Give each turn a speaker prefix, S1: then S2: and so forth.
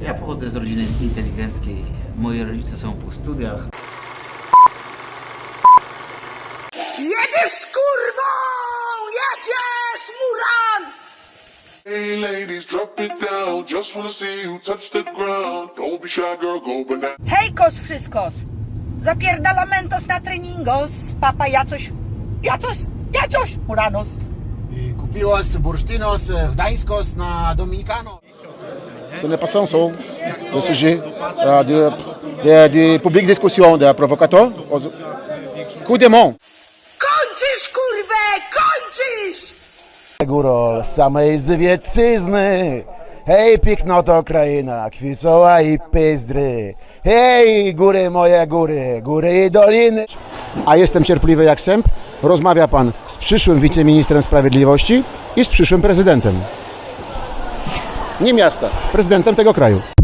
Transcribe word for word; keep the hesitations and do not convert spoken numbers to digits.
S1: Ja pochodzę z rodziny inteligenckiej. Moi rodzice są po studiach.
S2: Jedziesz z kurwą! Jedziesz, Muran!
S3: Hey ladies, drop it down. Just wanna see you touch the ground. Don't be shy, girl, go banana.
S2: Hejkos wszystkos! Zapierdalamentos na treningos, papa jacoś, jacoś, jacoś, Muranos.
S4: Kupiłos bursztynos w Gdańskos na Dominikano.
S5: Ce n'est pas sans ça, le sujet euh, de, de, de publique discussion, de provocateur. Coup de main.
S2: Kończysz, kurwę, kończysz!
S4: Górol samej zwiecyzny. Hej, pięknoto kraina, kwicoła i pyzdry. Hej, góry moje góry, góry i doliny. A jestem cierpliwy jak sęp. Rozmawia pan z przyszłym wiceministrem sprawiedliwości i z przyszłym prezydentem. Nie miasta, prezydentem tego kraju.